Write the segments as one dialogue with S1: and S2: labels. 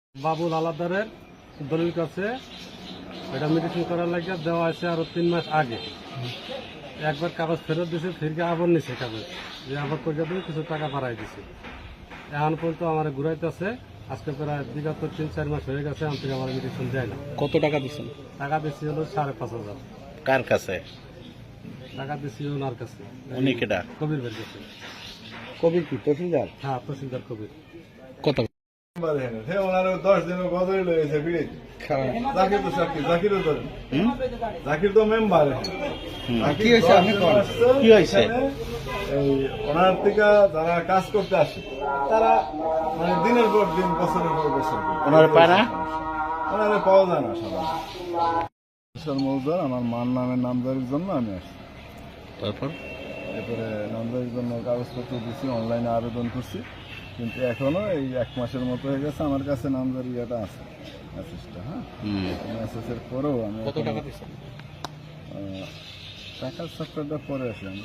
S1: বাবুল আলাদারের দলিল কাছে এটা মেডিসিন করার লাগে দেওয়া আছে আরো 3 মাস আগে। একবার কাগজ ফেরত দিছে, ফিরকে আবার নিছে কাগজ, যে আবার কইয়া দিয়ে কিছু টাকা বাড়াই দিছে। এখন পর্যন্ত আমার ঘুরাইতেছে, আজকে প্রায় বিগত 3-4 মাস হয়ে গেছে, আমি থেকে আমার মেডিসিন দেয় না।
S2: কত টাকা দিচ্ছেন?
S1: টাকা দিচ্ছি হলো 5,500।
S2: কার কাছে?
S1: টাকা দিচ্ছি ওনার কাছে,
S2: উনি কেডা?
S1: কবির ভাইয়ের কাছে।
S2: কবির কি তহসিলদার?
S1: হ্যাঁ, তহসিলদার কবির।
S2: কত?
S3: 10 দিনের গজরে লয়েছে বিড়িতে। জাকির তো জাকিরও ধরেন। জাকির তো মেম্বার।
S2: কি হয়েছে? আপনি কোন? কি হয়েছে?
S3: এই ওনার থেকে যারা কাজ করতে আসে তারা মানে দিনের পর দিন, বছরের পর বছর
S2: ওনার পায় না,
S3: ওনারে পাওয়া যায় না সাধারণত। মৌজার আমার মার নামের নামজারির জন্য আমি আসছি।
S2: তারপর
S3: এরপরে নামজারির জন্য কাগজপত্র দিচ্ছি, অনলাইনে আবেদন করছি, কিন্তু এখনো এই 1 মাসের মতো হয়ে গেছে। আমার কাছে নামজারি ইয়েটা আছে, মেসেজটা। হ্যাঁ, মেসেজের পরেও আমি
S2: কত টাকা দিচ্ছেন?
S3: টাকার সফটওয়্যারটা পরে আসি আমরা।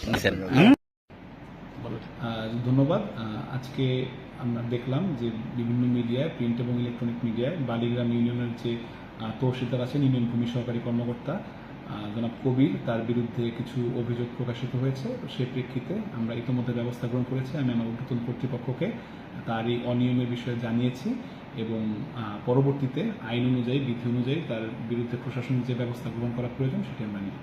S4: ধন্যবাদ। আজকে আমরা দেখলাম যে বিভিন্ন মিডিয়ায়, প্রিন্ট এবং ইলেকট্রনিক মিডিয়ায় বালিগ্রাম ইউনিয়নের যে তহসিলদার আছেন, ইউনিয়ন ভূমি সহকারী কর্মকর্তা জনাব কবির, তার বিরুদ্ধে কিছু অভিযোগ প্রকাশিত হয়েছে। সেই প্রেক্ষিতে আমরা ইতিমধ্যে ব্যবস্থা গ্রহণ করেছি। আমি আমার ঊর্ধ্বতন কর্তৃপক্ষকে তারই অনিয়মের বিষয়ে জানিয়েছি এবং পরবর্তীতে আইন অনুযায়ী, বিধি অনুযায়ী তার বিরুদ্ধে প্রশাসনিক যে ব্যবস্থা গ্রহণ করা প্রয়োজন সেটি আমরা নিই।